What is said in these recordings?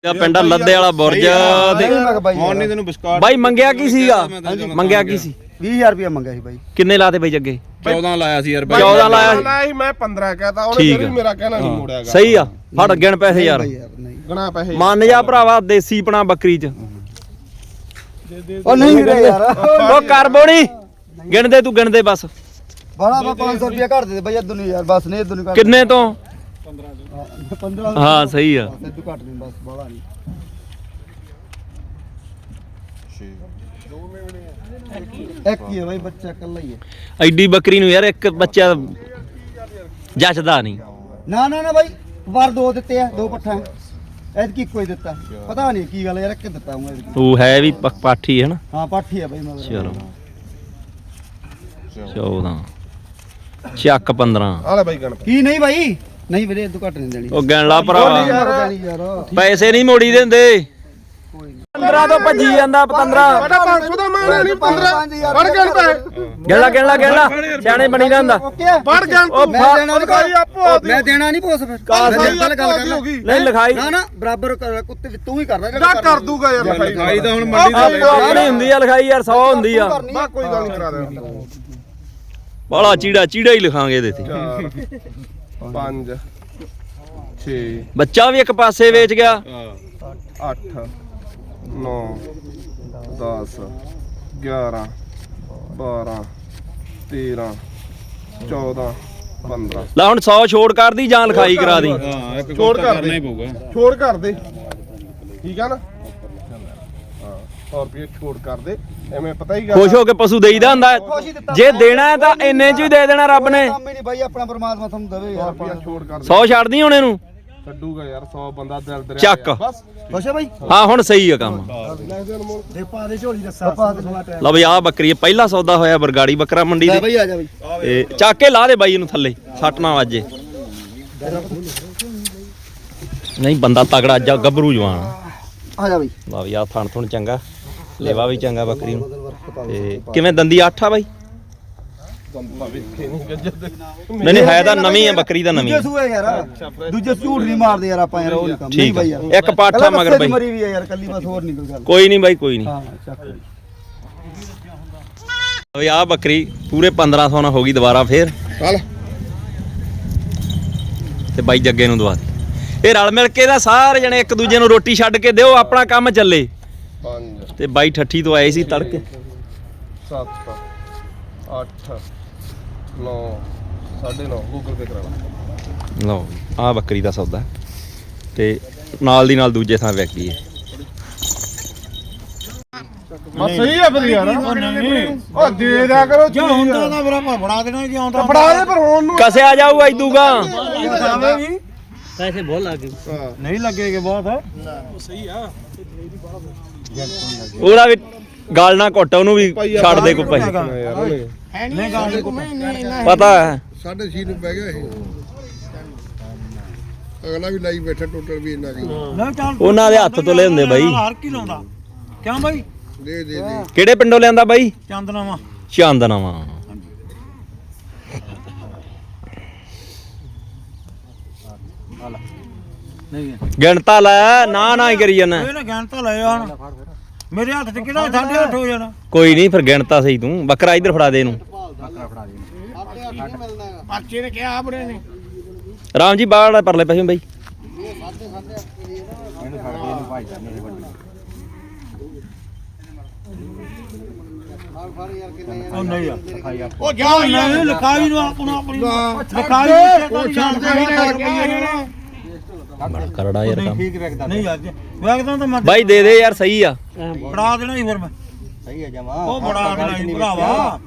ਪਿੰਡ ਲੱਦੇ ਵਾਲਾ ਬੁਰਜ ਤੇ ਹੁਣ ਨਹੀਂ ਤੈਨੂੰ ਬਿਸਕੁਟ ਬਾਈ ਮੰਗਿਆ ਕੀ ਸੀਗਾ ਮੰਗਿਆ ਕੀ ਸੀ 20000 ਰੁਪਏ ਮੰਗਿਆ ਸੀ ਬਾਈ ਕਿੰਨੇ ਲਾਤੇ ਬਾਈ ਜੱਗੇ 14 ਲਾਇਆ ਸੀ ਯਾਰ 14 ਲਾਇਆ ਸੀ ਮੈਂ 15 ਕਹਤਾ ਉਹਨੇ ਫਿਰ ਮੇਰਾ ਕਹਿਣਾ ਨਹੀਂ ਮੋੜਿਆਗਾ ਸਹੀ ਆ ਫੜ ਗਿਣ ਪੈਸੇ ਯਾਰ ਗਣਾ ਪੈਸੇ ਮੰਨ ਜਾ ਭਰਾਵਾ ਦੇਸੀ ਪਣਾ ਬੱਕਰੀ ਚ ਉਹ ਨਹੀਂ ਵੀਰੇ ਯਾਰ ਉਹ ਕਰ ਬੋਣੀ ਗਿਣ ਦੇ ਤੂੰ ਗਿਣ ਦੇ ਬਸ ਬੜਾ 500 ਰੁਪਏ ਘੱਟ ਦੇ ਬਾਈ ਇਦੋਂ ਨਹੀਂ ਯਾਰ ਬਸ ਨਹੀਂ ਇਦੋਂ ਨਹੀਂ ਘੱਟ ਕਿੰਨੇ ਤੋਂ 15 ਹਾਂ ਸਹੀ ਆ ਇਦੋਂ ਘੱਟ ਨਹੀਂ ਬਸ ਬੜਾ ਨਹੀਂ ਇੱਕ ਹੀ ਹੈ ਬਾਈ ਬੱਚਾ ਇਕੱਲਾ ਹੀ ਹੈ ਐਡੀ ਬੱਕਰੀ ਨੂੰ ਯਾਰ ਇੱਕ ਬੱਚਾ ਜੱਚਦਾ ਨਹੀਂ ਨਾ ਬਾਈ ਵਾਰ ਦੋ ਦਿੱਤੇ ਆ ਦੋ ਪੱਠਾ ਐਤਕੀ ਕੋਈ ਦਿੱਤਾ ਪਤਾ ਨਹੀਂ ਕੀ ਗੱਲ ਯਾਰ ਇੱਕ ਦਿੱਤਾ ਹੂੰ ਐਤਕੀ ਉਹ ਹੈ ਵੀ ਪਾਠੀ ਹੈ ਨਾ ਹਾਂ ਪਾਠੀ ਆ ਬਾਈ ਮਗਰ ਚਲੋ 14 ਚੱਕ 15 ਆਲੇ ਬਾਈ ਗਣ ਕੀ ਨਹੀਂ ਬਾਈ ਨਹੀਂ ਵੀਰੇ ਇਦੋਂ ਘੱਟ ਨਹੀਂ ਦੇਣੀ ਉਹ ਗਿਣ ਲਾ ਭਰਾਵਾ ਯਾਰ ਪੈਸੇ ਨਹੀਂ ਮੋੜੀ ਦਿੰਦੇ 15 ਤੋਂ ਭੱਜੀ ਜਾਂਦਾ 15 ਸਾਡਾ 500 ਦਾ ਮਾਣਾ ਨਹੀਂ 15 ਫੜ ਗਣ ਪੈ ਗਿਣ ਲਾ ਸਿਆਣੇ ਬਣੀ ਜਾਂਦਾ ਫੜ ਗਣ ਉਹ ਮੈਂ ਦੇਣਾ ਨਹੀਂ ਕੋਈ ਆਪੋ ਮੈਂ ਦੇਣਾ ਨਹੀਂ ਪੋਸ ਫਿਰ ਗੱਲ ਕਰ ਨਹੀਂ ਲਿਖਾਈ ਨਾ ਬਰਾਬਰ ਕੁੱਤੇ ਤੂੰ ਹੀ ਕਰਦਾ ਜਾ ਕਰ ਦੂਗਾ ਯਾਰ ਲਿਖਾਈ ਤਾਂ ਹੁਣ ਮੰਡੀ ਦਾ ਆਪਣੀ ਹੁੰਦੀ ਆ ਲਿਖਾਈ ਯਾਰ 100 ਹੁੰਦੀ ਆ ਮੈਂ ਕੋਈ ਗੱਲ ਨਹੀਂ ਕਰਾ ਦੇ ਬਾਲਾ ਚੀੜਾ ਹੀ ਲਿਖਾਂਗੇ ਇਹਦੇ ਤੇ 5 6 ਬੱਚਾ ਵੀ ਇੱਕ ਪਾਸੇ ਵੇਚ ਗਿਆ 8 9 10 11 12 13 14 15 ਲੈ ਹੁਣ 100 ਛੋੜ ਕਰਦੀ ਜਾਂ ਲਿਖਾਈ ਕਰਾ ਦੀ ਹਾਂ ਇੱਕ ਛੋੜ ਕਰ ਕਰਨਾ ਹੀ ਪਊਗਾ ਛੋੜ ਕਰ ਦੇ ਠੀਕ ਆ ਨਾ ਹਾਂ 100 ਰੁਪਏ ਛੋੜ ਕਰ ਦੇ ਐਵੇਂ ਪਤਾ ਹੀ ਖੁਸ਼ ਹੋ ਕੇ ਪਸ਼ੂ ਦੇਈਦਾ ਹੁੰਦਾ ਹੈ। ਜੇ ਦੇਣਾ ਹੈ ਤਾਂ ਇੰਨੇ ਚ ਹੀ ਦੇ ਦੇਣਾ ਰੱਬ ਨੇ ਕੰਮ ਹੀ ਨਹੀਂ ਬਾਈ ਆਪਣਾ ਪਰਮਾਤਮਾ ਤੁਹਾਨੂੰ ਦੇਵੇ ਯਾਰ ਰੁਪਏ ਛੋੜ ਕਰ ਦੇ 100 ਛੱਡਦੀ ਹੁਣ ਇਹਨੂੰ ਛੱਡੂਗਾ ਯਾਰ 100 ਬੰਦਾ ਦਿਲ ਦਰਿਆ ਚੱਕ। ਬਸ ਖੁਸ਼ ਹੈ ਬਾਈ ਹਾਂ ਹੁਣ ਸਹੀ ਆ ਕੰਮ ਦੇ ਪਾ ਦੇ ਝੋਲੀ ਦੱਸਾ ਪਾ ਦੇ ਲਓ ਬਈ ਆਹ ਬੱਕਰੀ ਹੈ, ਪਹਿਲਾ ਸੌਦਾ ਹੋਇਆ ਬਰਗਾੜੀ ਬੱਕਰਾ ਮੰਡੀ ਲੈ ਦੇ ਬਾਈ ਆ ਜਾ ਬਾਈ ਤੇ ਚੱਕ ਕੇ ਲਾ ਦੇ ਬਾਈ ਇਹਨੂੰ ਥੱਲੇ ਸੱਟ ਨਾ ਵੱਜੇ ਨਹੀਂ ਬੰਦਾ ਤਗੜਾ ਅੱਜ ਗੱਭਰੂ ਜਵਾਨ ਆ ਜਾ ਬਾਈ ਲਓ ਵੀ ਆਹ ਥਣ ਥੁਣ ਚੰਗਾ ਲੇਵਾ ਵੀ ਚੰਗਾ ਬੱਕਰੀ ਨੂੰ ਤੇ ਕਿਵੇਂ ਦੰਦੀ 8 ਆ ਬਾਈ ਨਹੀਂ ਹੈ ਤਾਂ ਨਵੀਂ ਹੈ ਬੱਕਰੀ ਦਾ ਨਵੀਂ ਦੂਜੇ ਸੂਏ ਯਾਰ ਦੂਜੇ ਝੂਠ ਨਹੀਂ ਮਾਰਦੇ ਯਾਰ ਆਪਾਂ ਯਾਰ ਉਹ ਨਹੀਂ ਕੰਮ ਨਹੀਂ ਠੀਕ ਬਾਈ ਆ ਯਾਰ ਇੱਕ ਪਾਠਾ ਮਗਰ ਬਾਈ ਮਰੀ ਵੀ ਹੈ ਯਾਰ ਕੱਲੀ ਬਸ ਹੋਰ ਨਹੀਂ ਕੋਈ ਗੱਲ ਕੋਈ ਨਹੀਂ ਬਾਈ ਕੋਈ ਨਹੀਂ ਹਾਂ ਚੱਕ ਬਾਈ ਓਏ ਆਹ ਬੱਕਰੀ ਪੂਰੇ 1500 ਨਾਲ ਹੋ ਗਈ ਦੁਬਾਰਾ ਫੇਰ ਚੱਲ ਤੇ ਬਾਈ ਜੱਗੇ ਨੂੰ ਦਵਾ ਦੇ ਇਹ ਰਲ ਮਿਲ ਕੇ ਦਾ ਸਾਰੇ ਜਣੇ ਇੱਕ ਦੂਜੇ ਨੂੰ ਰੋਟੀ ਛੱਡ ਕੇ ਦਿਓ ਆਪਣਾ ਕੰਮ ਚੱਲੇ 5 ਤੇ ਬਾਈ ਠੱਠੀ ਤੋਂ ਆਏ ਸੀ ਤੜਕੇ 7 8 9 9.5 ਗੂਗਲ ਪੇ ਕਰਾ ਲਾ ਲਓ ਆਹ ਬੱਕਰੀ ਦਾ ਸੌਦਾ ਤੇ ਨਾਲ ਦੀ ਨਾਲ ਦੂਜੇ ਥਾਂ ਵਿਕ ਗਈ ਹੈ ਬਸ ਸਹੀ ਆ ਫਿਰ ਯਾਰ ਉਹ ਦੇ ਦਿਆ ਕਰੋ ਜੇ ਹੁੰਦਾ ਤਾਂ ਮੇਰਾ ਫੜਾ ਦੇਣਾ ਜੀ ਆਉਂਦਾ ਫੜਾ ਦੇ ਪਰ ਹੁਣ ਨੂੰ ਕਸਿਆ ਜਾਊ ਐਦੂਗਾ ਪੈਸੇ ਬਹੁਤ ਲੱਗ ਗਏ ਨਹੀਂ ਲੱਗੇਗੇ ਬਹੁਤ ਉਹਦਾ ਵੀ ਗਾਲ ਨਾ ਘੁੱਟ ਉਹਨੂੰ ਵੀ ਛੱਡ ਦੇ ਕੋਈ ਭਾਈ ਯਾਰ ਉਹਨੇ ਨਹੀਂ ਗੱਲ ਪਤਾ ਹੈ 6.5 ਨੂੰ ਪੈ ਗਿਆ ਇਹ ਅਗਲਾ ਵੀ ਲਾਈ ਬੈਠਾ ਟੋਟਲ ਵੀ ਇਹਨਾਂ ਦੀ ਨਹੀਂ ਚੱਲ ਉਹਨਾਂ ਦੇ ਹੱਥ ਤੋਂ ਲੈ ਹੁੰਦੇ ਬਾਈ ਹਰ ਕੀ ਲਾਉਂਦਾ ਕਿਉਂ ਬਾਈ ਦੇ ਕਿਹੜੇ ਪਿੰਡੋਂ ਲਿਆਂਦਾ ਬਾਈ ਚੰਦਨਾਵਾ ਚਾਂਦਨਾਵਾ ਨਹੀਂ ਗਿਣਤਾ ਲੈ ਨਾ ਹੀ ਕਰੀ ਜਾਣਾ ਇਹ ਨਾ ਗਿਆਨ ਤਾਂ ਲੈ ਹੁਣ ਮੇਰੇ ਹੱਥ 'ਚ ਕਿਹੜਾ 8.5 ਹੋ ਜਾਣਾ ਕੋਈ ਨਹੀਂ ਫਿਰ ਗਿਣਤਾ ਸਹੀ ਤੂੰ ਬੱਕਰਾ ਇੱਧਰ ਫੜਾ ਦੇ ਇਹਨੂੰ ਪਰਚੇ ਨੇ ਕਿਹਾ ਬੜੇ ਨੇ ਰਾਮ ਜੀ ਬਾਹਰ ਪਰਲੇ ਪਾਸੇ ਬਾਈ ਉਹ ਨਹੀਂ ਆ ਉਹ ਜਾ ਨਹੀਂ ਲਿਖਾਈ ਨੂੰ ਆਪਣੀ ਲਿਖਾਈ ਉਹ ਛੱਡ ਬੜਾ ਕਰੜਾ ਯਾਰ ਕੰਮ ਨਹੀਂ ਯਾਰ ਵੇਖਦਾ ਤਾਂ ਮੈਂ ਬਾਈ ਦੇ ਦੇ ਯਾਰ ਸਹੀ ਆ ਫੜਾ ਦੇਣਾ ਹੀ ਫਿਰ ਮੈਂ ਸਹੀ ਹੈ ਜਮਾ ਉਹ ਫੜਾ ਦੇਣਾ ਹੀ ਭਰਾਵਾ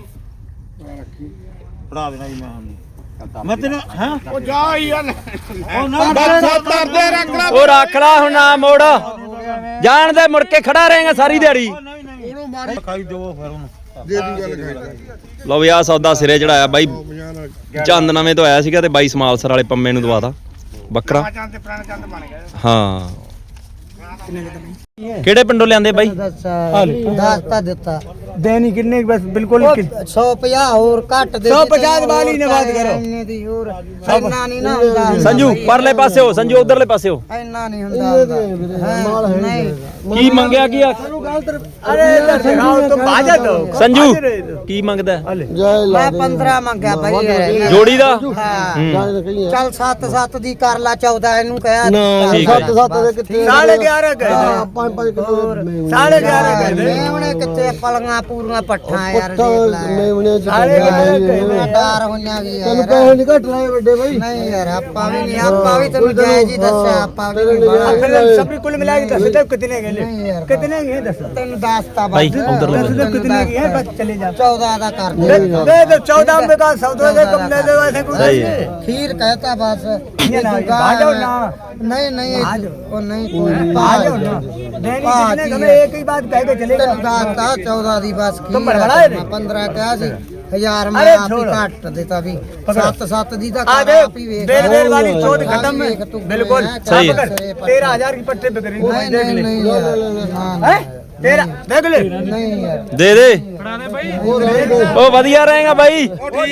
ਫੜਾ ਦੇਣਾ ਹੀ ਮੈਂ ਤੈਨੂੰ ਹੈ ਉਹ ਜਾ ਯਾਰ ਉਹ ਨਾ ਦਰਦੇ ਰੱਖ ਲੈ ਉਹ ਰੱਖ ਲੈ ਹੁਣ ਨਾ ਮੋੜ ਜਾਣ ਦੇ ਮੁੜ ਕੇ ਖੜਾ ਰਹੇਗਾ ਸਾਰੀ ਦਿਹਾੜੀ ਉਹਨੂੰ ਮਾਰੀ ਖਾਈ ਦਿਓ ਫਿਰ ਉਹਨੂੰ ਦੇ ਦੀ ਗੱਲ ਖਾਈ ਲਓ ਵੀ ਆਹ ਸੌਦਾ ਸਿਰੇ ਚੜਾਇਆ ਬਾਈ ਚੰਦ ਨਵੇਂ ਤੋਂ ਆਇਆ ਸੀਗਾ ਤੇ ਬਾਈ ਸਮਾਲਸਰ ਵਾਲੇ ਪੰਮੇ ਨੂੰ ਦਵਾਤਾ ਬੱਕਰਾ ਹਾਂ ਕਿਹੜੇ ਪਿੰਡੋਂ ਲਿਆਂਦੇ ਬਾਈ 10 ਤਾਂ ਦਿੱਤਾ देनी कितने की बस बिल्कुल 150 ਹੋਰ ਘੱਟ ਦੇ 150 ਵਾਲੀ ਨੇ ਬਾਤ ਕਰੋ ਇੰਨੇ ਦੀ ਹੋਰ ਇੰਨਾ ਨਹੀਂ ਨਾ ਹੁੰਦਾ ਸੰਜੂ ਪਰਲੇ ਪਾਸੇ ਹੋ ਸੰਜੂ ਉਧਰਲੇ ਪਾਸੇ ਹੋ ਇੰਨਾ ਨਹੀਂ ਹੁੰਦਾ ਨਹੀਂ ਕੀ ਮੰਗਿਆ ਕੀ ਆ अरे इधर दिखाओ तुम बाजा दो ਸੰਜੂ ਕੀ ਮੰਗਦਾ ਹੈ? ਮੈਂ 15 ਮੰਗਿਆ ਭਾਈ ਯਾਰ ਜੋੜੀ ਦਾ ਹਾਂ ਚੱਲ 7 ਦੀ ਕਰ ਲਾ 14 ਇਹਨੂੰ ਕਹਿਆ ਠੀਕ ਹੈ। 7 ਦੇ ਕਿੱਥੇ 11.5 गए 5 ਕਿਲੋ 11.5 गए ਮੇਵਣੇ ਕਿੱਥੇ ਪਲੀਆਂ ਪੂਰੀਆਂ ਪੱਠਾਂ ਯਾਰ ਦੇਖ ਲੈ मेवने 11.5 गए ਡਾਰ ਹੋਈਆਂ ਵੀ ਯਾਰ ਤੈਨੂੰ ਪੈਸੇ ਨਹੀਂ ਘੱਟ ਲਾਏ ਵੱਡੇ ਭਾਈ ਨਹੀਂ ਯਾਰ ਆਪਾਂ ਵੀ ਨਹੀਂ ਆਪਾਂ ਵੀ ਤੈਨੂੰ ਜਾਇਜ਼ ਹੀ ਦੱਸਿਆ ਆਪਾਂ ਵੀ ਨਹੀਂ सब कुल मिला के 10 तक कितने गए नहीं यार। कितने गए 10 ਤੈਨੂੰ ਦੱਸਤਾ ਭਾਈ ਬਸ ਉਧਰਲੇ दस तक कितने गए हैं बस चले जा 14 ਦਾ ਕਰ दे ਦੇ दे 14 में का सौदे से कम ले दे वैसे कुछ सही है। खीर कहता बस ये ना, दुकान आ जाओ है। ना। नहीं नहीं आ जाओ। वो नहीं कोई आ जाओ ना देनी कितने हमें एक ही बात कह के चलेगा ਤੈਨੂੰ ਦੱਸਤਾ 14 ਦੀ ਬਸ तुम खीर बड़बड़ा है, है रे। 15 ਕਿਹਾ ਸੀ 1000 ਮੈਂ अरे ਆਪ ਹੀ छोड़। ਘੱਟ ਦਿੱਤਾ ਵੀ 7 ਦੀ ਤਾਂ आ ਕਰ गए ਆਪ ही ਵੇਖ बेर वाली चोट हाँ, खत्म ਵੇਖ है तू बिल्कुल मैं सही है। चाप करे, 13,000 की पट्टे पे करेंगे नहीं देख नहीं ले नहीं यार ना, हैं तेरा देख ले नहीं यार ਦੇ ਦੇ ਉਹ ਵਧੀਆ ਰਹੇਗਾ ਬਾਈ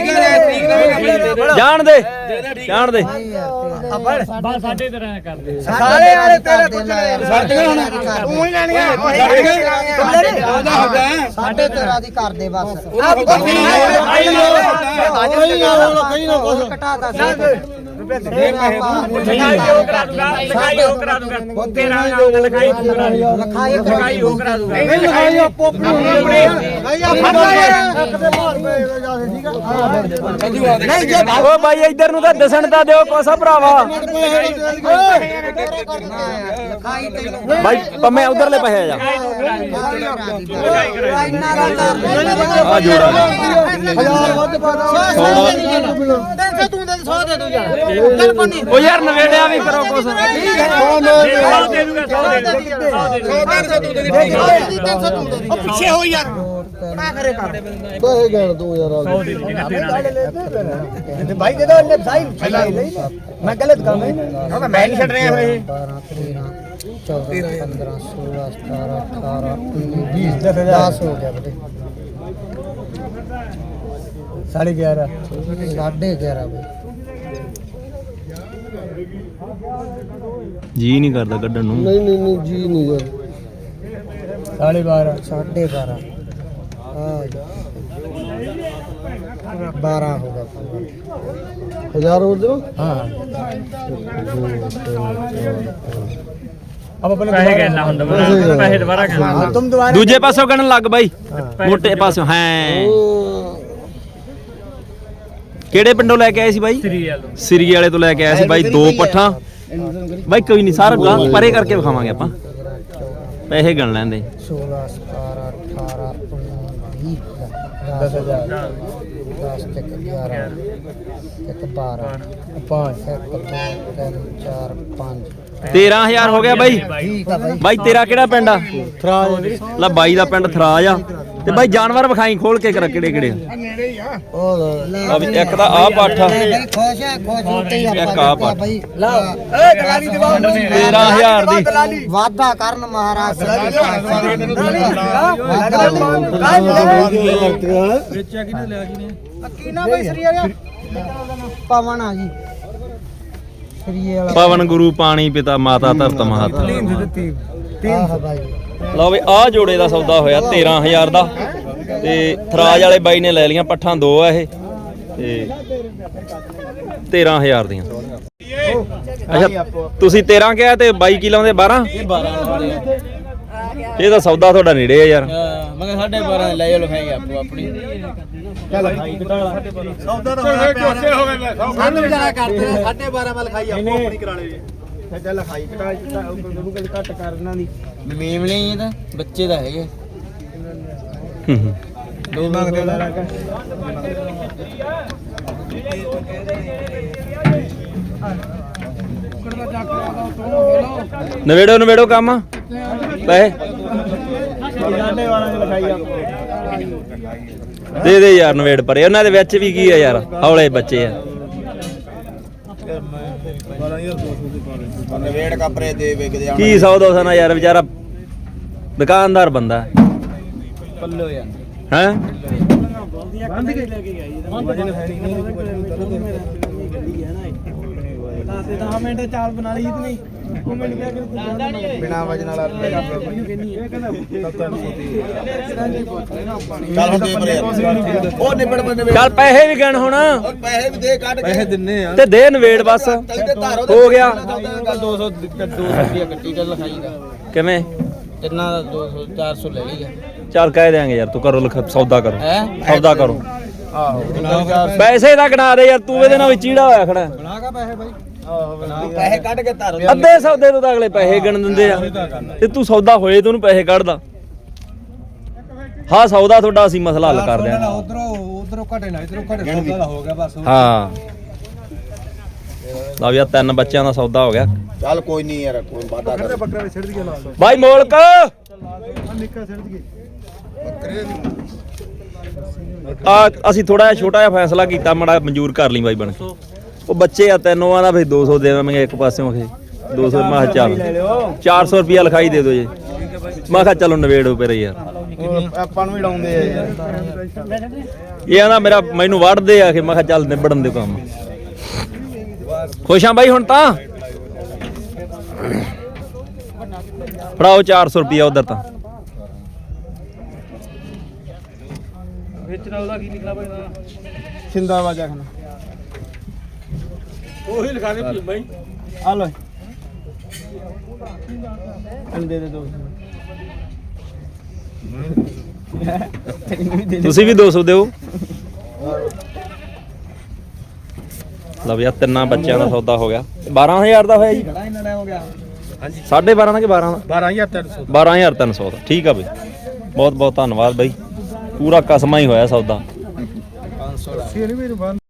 ਜਾਣ ਦੇ ਜਾਣ ਦੇ नहीं यार अपन साढ़े सारे वाले तेरे कुछ तू ही लेनी है तुम ले रहे साढ़े 13 ਦੀ ਕਰ ਦੇ ਬਸ अब ਕਹੀਂ ਨਾ ਕੁਝ ਘਟਾ ਦੱਸ ਓ ਬਾਈ ਇੱਧਰ ਨੂੰ ਤਾਂ ਦਿਸਣ ਤਾਂ ਦਿਓ ਕੋਸਾ ਭਰਾਵਾ ਬਾਈ ਪੰਮੇ ਉਧਰਲੇ ਪਾਸੇ ਆ ਜਾ ਆ ਜੋੜਾ ਓ ਯਾਰ ਨਵੇੜਿਆ ਵੀ ਕਰੋ ਕੁਛ पीछे हो यार भाई दे दो भाई मैं गलत काम है मैं नहीं छड़ रहे हैं 14 15 16 17 18 19 20 10 हो गया बेटे 11.5 11.5 भाई ਜੀ ਨਹੀਂ ਕਰਦਾ ਕੱਢਣ ਨੂੰ नहीं जी नहीं यार 12.5 12.5 हाँ 12 होगा 1000 और दो हाँ अब अपने पैसे कहना ਹੁੰਦਾ पैसे दोबारा कहना तुम दोबारा ਦੂਜੇ ਪਾਸੋਂ ਗਣਨ ਲੱਗ ਬਾਈ ਮੋਟੇ ਪਾਸੋਂ ਹੈ ਕਿਹੜੇ ਪਿੰਡੋਂ ਲੈ ਕੇ ਆਏ ਸੀ ਬਾਈ ਸ੍ਰੀ ਵਾਲੇ ਤੋਂ ਲੈ ਕੇ ਆਏ ਸੀ ਬਾਈ ਦੋ ਪੱਠਾਂ ਬਾਈ ਕੋਈ ਨਹੀਂ ਸਾਰਾ ਗਾਂ ਪਰੇ ਕਰਕੇ ਵਿਖਾਵਾਂਗੇ ਆਪਾਂ ਪੈਸੇ ਗਣ ਲੈਂਦੇ 16 17 18 19 20 10,000 10 ਤੱਕ 11 ਤੱਕ 12 5 1 2 3 4 5 13000 ਹੋ ਗਿਆ ਬਾਈ ਠੀਕ ਆ ਭਾਈ ਬਾਈ ਤੇਰਾ ਕਿਹੜਾ ਪਿੰਡ ਆ ਥਰਾਜ ਲੈ ਬਾਈ ਦਾ ਪਿੰਡ ਥਰਾਜ ਆ ਤੇ ਬਾਈ ਜਾਨਵਰ ਵਿਖਾਈ ਖੋਲ ਕੇ ਕਰ ਕਿਹੜੇ ਕਿਹੜੇ ਆ ਵੀ ਇੱਕ ਤਾਂ ਆ ਪੱਠ ਆ ਖੁਸ਼ ਹੈ ਖੁਸ਼ ਹੋ ਕੇ ਇੱਕ ਆ ਪੱਠ ਭਾਈ ला ए दलाली दिवाओ 13000 ਦੀ ਵਾਦਾ ਕਰਨ ਮਹਾਰਾਜ ना भाई सरी आ गया ਪਵਨ ਆ ਜੀ ਸਰੀਏ ਵਾਲਾ ਪਵਨ ਗੁਰੂ ਪਾਣੀ ਪਿਤਾ ਮਾਤਾ ਧਰਤ ਮਹਤ ਆਹ ਭਾਈ ਲਓ ਵੀ ਆ ਜੋੜੇ ਦਾ ਸੌਦਾ ਹੋਇਆ 13000 ਦਾ ਤੇ ਥਰਾਜ ਵਾਲੇ ਬਾਈ ਨੇ ਲੈ ਲੀਆਂ ਪੱਠਾਂ ਦੋ ਆ ਇਹ ਤੇ 13000 ਦੀਆਂ ਅੱਛਾ ਤੁਸੀਂ 13 ਕਿਹਾ ਤੇ ਬਾਈ ਕੀ ਲਾਉਂਦੇ 12 ਇਹ ਤਾਂ ਸੌਦਾ ਤੁਹਾਡਾ ਨੇੜੇ ਆ ਯਾਰ ਮੈਂ 12.5 ਲੈ ਜਾਓ ਲਿਖਾਈ ਆਪੋ ਆਪਣੀ सौदा तो होना कैसे हो गए सामने बेचारा करते हैं 12.5 में लिखाई आपको अपनी करा ले सच्चा लिखाई कटा गुरु के घट करना दी ਮੇਮਲੇ ਹੀ ਤਾਂ ਬੱਚੇ ਦਾ ਹੈਗੇ दो मांगते ਨਵੇੜੋ ਕੰਮ ਪੈਸੇ ਦੇ ਦੇ ਯਾਰ ਨਵੇੜ ਪਰੇ ਉਹਨਾਂ ਦੇ ਵਿੱਚ ਵੀ ਕੀ ਆ ਯਾਰ ਹੌਲੇ ਬੱਚੇ ਆ ਨਵੇੜ ਕਪਰੇ ਦੇ ਵੇਖਦੇ ਕੀ 100 200 ਨਾ ਯਾਰ ਵਿਚਾਰਾ ਦੁਕਾਨਦਾਰ ਬੰਦਾ ਪੱਲੋ ਯਾਰ ਹੈ ਬਿਨਾ ਵਜਨ ਵਾਲਾ ਚੱਲ ਹੁਣ ਦੇ ਪਰੇ ਉਹ ਨਿਬੜ ਬੰਦੇ ਚੱਲ ਪੈਸੇ ਵੀ ਗਣ ਹੁਣ ਪੈਸੇ ਵੀ ਦੇ ਕੱਢ ਕੇ ਦਿੰਨੇ ਆ ਤੇ ਦੇ ਨਵੇੜ ਬਸ ਹੋ ਗਿਆ 200 ਰੁਪਏ ਕੱਟੀ ਚੱਲ ਲਿਖਾਈ ਦਾ ਕਿਵੇਂ ਤਿੰਨਾਂ ਦਾ 200 400 ਲੈ ਲਈਗਾ ਚੱਲ ਕਹਿ ਦਿਆਂਗੇ ਯਾਰ ਤੂੰ ਕਰੋ ਸੌਦਾ ਕਰੋ ਹੈ ਸੌਦਾ ਕਰੋ ਆਹੋ ਪੈਸੇ ਦਾ ਗਣਾ ਦੇ ਯਾਰ ਤੂੰ ਇਹਦੇ ਨਾਲ ਵੀ ਚੀੜਾ ਹੋਇਆ ਖੜਾ ਪੈਸੇ ਕੱਢ ਕੇ ਧਾਰੋ ਅੱਧੇ ਸੌਦੇ ਤੋਂ ਤਾਂ ਅਗਲੇ ਪੈਸੇ ਗਿਣ ਦਿੰਦੇ ਆ ਤੇ ਤੂੰ ਸੌਦਾ ਹੋਏ ਤੂੰ ਉਹਨੂੰ ਪੈਸੇ ਕੱਢਦਾ ਹਾਂ ਸੌਦਾ ਤੁਹਾਡਾ ਅਸੀਂ ਮਸਲਾ ਹੱਲ ਕਰ ਦਿਆਂਗੇ ਉਧਰੋਂ ਘਟੇ ਨਾ ਇਧਰੋਂ ਘਟੇ ਸੌਦਾ ਦਾ ਹੋ ਗਿਆ ਬਸ ਹਾਂ ਲਓ ਯਾਰ 3 ਬੱਚਿਆਂ ਦਾ ਸੌਦਾ ਹੋ ਗਿਆ ਚੱਲ ਕੋਈ ਨਹੀਂ ਯਾਰ ਕੋਈ ਵਾਦਾ ਕਰ ਬੱਕਰੇ ਵੀ ਛੱਡ ਦਈਏ ਨਾਲ ਬਾਈ ਮੋਲਕ ਨਿੱਕਾ ਛੱਡ ਦਈਏ ਅਸੀਂ ਥੋੜਾ ਜਿਹਾ ਛੋਟਾ ਜਿਹਾ ਫੈਸਲਾ ਕੀਤਾ ਮੜਾ ਮਨਜ਼ੂਰ ਕਰ ਲਈ ਬਾਈ ਬਣ ਕੇ ਉਹ ਬੱਚੇ ਆ ਤੈਨੂੰ ਆਂਦਾ ਫੇ 200 ਦੇਵਾਂਗੇ ਇੱਕ ਪਾਸਿਓਂ ਖੇ 200 ਮੈਂ ਕਿਹਾ ਚੱਲ 400 ਰੁਪਿਆ ਲਿਖਾਈ ਦੇ ਦਿਓ ਜੀ ਮੈਂ ਕਿਹਾ ਚਲੋ ਨਵੇੜੋ ਪਰੇ ਯਾਰ ਆਪਾਂ ਨੂੰ ਵੀ ਲਾਉਂਦੇ ਆ ਯਾਰ ਇਹ ਆਂਦਾ ਮੈਨੂੰ ਵੜਦੇ ਆ ਕਿ ਮੈਂ ਕਿਹਾ ਚੱਲ ਨਿਬੜਨ ਦੇ ਕੰਮ ਖੁਸ਼ ਆ ਬਾਈ ਹੁਣ ਤਾਂ ਫੜਾਓ 400 ਰੁਪਿਆ ਉਧਰ ਤਾਂ ਸਿੰਦਾ ਵਾਜਾ ਖਾਨਾ ਉਹੀ ਲਿਖਾ ਦੇ ਬਾਈ ਆ ਲੋ ਦੇ ਦੋ ਤੁਸੀਂ ਵੀ 200 ਦਿਓ ਲਓ ਯਾਰ 3 ਬੱਚਿਆਂ ਦਾ ਸੌਦਾ ਹੋ ਗਿਆ 12000 ਦਾ ਹੋਇਆ ਜੀ ਬੜਾ ਇੰਨਾ ਟਾਈਮ ਹੋ ਗਿਆ ਹਾਂਜੀ 12.5 ਦਾ ਕਿ 12 ਦਾ 12300 12300 ਦਾ ਠੀਕ ਆ ਬਈ ਬਹੁਤ ਬਹੁਤ ਧੰਨਵਾਦ ਬਈ ਪੂਰਾ ਕਸਮਾ ਹੀ ਹੋਇਆ ਸੌਦਾ 500 ਦਾ